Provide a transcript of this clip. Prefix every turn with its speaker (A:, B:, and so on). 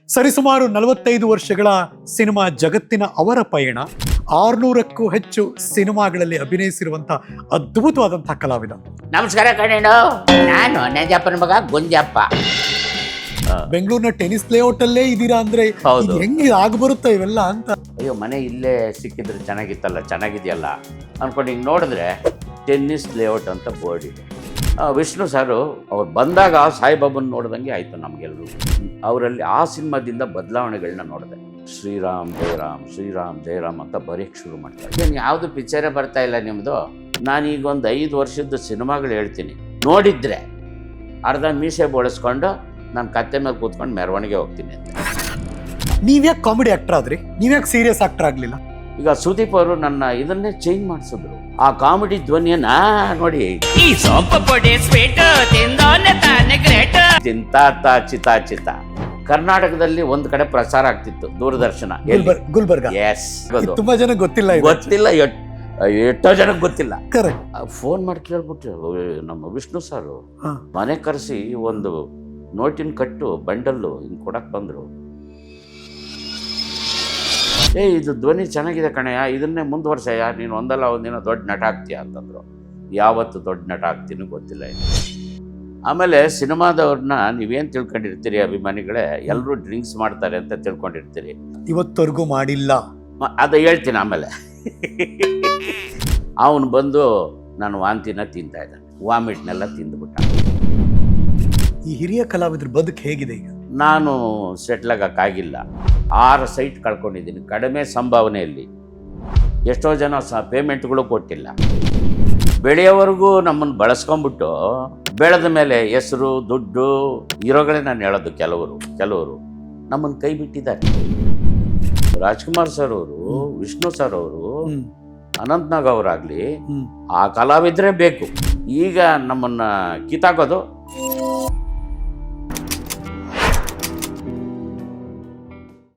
A: ಸರಿಸುಮಾರು 45 ವರ್ಷಗಳ ಸಿನಿಮಾ ಜಗತ್ತಿನ ಅವರ ಪಯಣ, 600ಕ್ಕೂ ಹೆಚ್ಚು ಸಿನಿಮಾಗಳಲ್ಲಿ ಅಭಿನಯಿಸಿರುವಂತಹ ಅದ್ಭುತವಾದಂತಹ ಕಲಾವಿದ.
B: ನಮಸ್ಕಾರ ಕಣೇಣು, ನಾನು ನಂಜಪ್ಪನ ಮಗ ಗುಂಜಪ್ಪ.
A: ಬೆಂಗಳೂರಿನ ಟೆನಿಸ್ ಲೇಔಟ್ ಅಲ್ಲೇ ಇದೀರಾ ಅಂದ್ರೆ
B: ಹೌದು.
A: ಹೆಂಗೆ ಬರುತ್ತಾ ಇವೆಲ್ಲ ಅಂತ.
B: ಅಯ್ಯೋ, ಮನೆ ಇಲ್ಲೇ ಸಿಕ್ಕಿದ್ರೆ ಚೆನ್ನಾಗಿತ್ತಲ್ಲ, ಚೆನ್ನಾಗಿದೆಯಲ್ಲ ಅನ್ಕೊಂಡು ಹಿಂಗೆ ನೋಡಿದ್ರೆ ಟೆನ್ನಿಸ್ ಲೇಔಟ್ ಅಂತ ಬೋರ್ಡ್ ಇದೆ. ವಿಷ್ಣು ಸಾರು ಅವ್ರು ಬಂದಾಗ ಸಾಯಿಬಾಬನ್ ನೋಡ್ದಂಗೆ ಆಯಿತು ನಮಗೆಲ್ಲರೂ. ಅವರಲ್ಲಿ ಆ ಸಿನಿಮಾದಿಂದ ಬದಲಾವಣೆಗಳನ್ನ ನೋಡಿದೆ. ಶ್ರೀರಾಮ್ ಜಯರಾಮ್ ಶ್ರೀರಾಮ್ ಜಯರಾಮ್ ಅಂತ ಬರೆಯಕ್ಕೆ ಶುರು ಮಾಡ್ತಾರೆ. ಏನು ಯಾವುದು ಪಿಕ್ಚರೇ ಬರ್ತಾ ಇಲ್ಲ ನಿಮ್ಮದು. ನಾನೀಗ ಒಂದು 5 ವರ್ಷದ ಸಿನಿಮಾಗಳು ಹೇಳ್ತೀನಿ, ನೋಡಿದ್ರೆ ಅರ್ಧ ಮೀಸೆ ಬೋಳಿಸ್ಕೊಂಡು ನಾನು ಕತ್ತೆ ಮೇಲೆ ಕೂತ್ಕೊಂಡು ಮೆರವಣಿಗೆ ಹೋಗ್ತೀನಿ ಅಂತ.
A: ನೀವ್ಯಾಕೆ ಕಾಮಿಡಿ ಆಕ್ಟರ್ ಆದ್ರಿ? ನೀವ್ಯಾಕೆ ಸೀರಿಯಸ್ ಆಕ್ಟರ್ ಆಗ್ಲಿಲ್ಲ?
B: ಈಗ ಸುದೀಪ್ ಅವರು ನನ್ನ ಇದನ್ನೇ ಚೇಂಜ್ ಮಾಡಿಸಿದ್ರು. ಆ ಕಾಮಿಡಿ ಧ್ವನಿಯನ್ನ ನೋಡಿ,
C: ಈ ಸೊಪ್ಪು ಪೊಡಿ ಸ್ವೀಟ್ ತಿಂದೋನೆ ತಾನೆ ಗ್ರೇಟ್.
B: ಚಿಂತಾತ ಚಿತಾ ಕರ್ನಾಟಕದಲ್ಲಿ ಒಂದ್ ಕಡೆ ಪ್ರಸಾರ ಆಗ್ತಿತ್ತು, ದೂರದರ್ಶನ.
A: ಗುಲ್ಬರ್ಗ.
B: ಎಸ್,
A: ತುಂಬಾ ಜನ ಗೊತ್ತಿಲ್ಲ ಇದು.
B: ಗೊತ್ತಿಲ್ಲ, ಎಷ್ಟೋ ಜನಕ್ಕೆ ಗೊತ್ತಿಲ್ಲ.
A: ಕರೆಕ್ಟ್.
B: ಫೋನ್ ಮಾಡಿ ಕೇಳ್ಬಿಟ್ಟು ನಮ್ಮ ವಿಷ್ಣು ಸಾರು ಮನೆ ಕರೆಸಿ ಒಂದು ನೋಟಿನ ಕಟ್ಟು ಬಂಡಲ್ಲು ಹಿಂಗೆ ಕೊಡಕ್ಕೆ ಬಂದರು. ಇದು ಧ್ವನಿ ಚೆನ್ನಾಗಿದೆ ಕಣಯ್ಯ, ಇದನ್ನೇ ಮುಂದುವರ್ಸಯ್ಯ, ನೀನು ಒಂದಲ್ಲ ಒಂದಿನ ದೊಡ್ಡ ನಟ ಆಗ್ತೀಯ ಅಂತಂದರು. ಯಾವತ್ತು ದೊಡ್ಡ ನಟ ಆಗ್ತೀನಿ ಗೊತ್ತಿಲ್ಲ. ಆಮೇಲೆ ಸಿನಿಮಾದವ್ರನ್ನ ನೀವೇನು ತಿಳ್ಕೊಂಡಿರ್ತೀರಿ ಅಭಿಮಾನಿಗಳೇ, ಎಲ್ಲರೂ ಡ್ರಿಂಕ್ಸ್ ಮಾಡ್ತಾರೆ ಅಂತ ತಿಳ್ಕೊಂಡಿರ್ತೀರಿ.
A: ಇವತ್ತವರೆಗೂ ಮಾಡಿಲ್ಲ.
B: ಅದು ಹೇಳ್ತೀನಿ ಆಮೇಲೆ. ಅವನು ಬಂದು ನಾನು ವಾಂತಿನ ತಿಂತಾ ಇದ್ದಾನೆ, ವಾಮಿಟ್ನೆಲ್ಲ ತಿಂದುಬಿಟ್ಟ.
A: ಈ ಹಿರಿಯ ಕಲಾವಿದ್ರ ಬದುಕು ಹೇಗಿದೆ ಈಗ?
B: ನಾನು ಸೆಟ್ಲಾಗಕ್ಕಾಗಿಲ್ಲ. 6 ಸೈಟ್ ಕಳ್ಕೊಂಡಿದ್ದೀನಿ ಕಡಿಮೆ ಸಂಭಾವನೆಯಲ್ಲಿ. ಎಷ್ಟೋ ಜನ ಪೇಮೆಂಟ್ಗಳು ಕೊಟ್ಟಿಲ್ಲ. ಬೆಳೆಯೋವರೆಗೂ ನಮ್ಮನ್ನು ಬಳಸ್ಕೊಂಡ್ಬಿಟ್ಟು ಬೆಳೆದ ಮೇಲೆ ಹೆಸರು ದುಡ್ಡು ಇರೋಗಳೇ ನಾನು ಹೇಳೋದು. ಕೆಲವರು ನಮ್ಮನ್ನು ಕೈ ಬಿಟ್ಟಿದ್ದಾರೆ. ರಾಜ್ಕುಮಾರ್ ಸರ್ ಅವರು, ವಿಷ್ಣು ಸರ್ ಅವರು, ಅನಂತ್ನಾಗ್ ಅವರಾಗ್ಲಿ, ಆ ಕಲಾವಿದ್ರೆ ಬೇಕು. ಈಗ ನಮ್ಮನ್ನ ಕಿತ್ತಾಕೋದು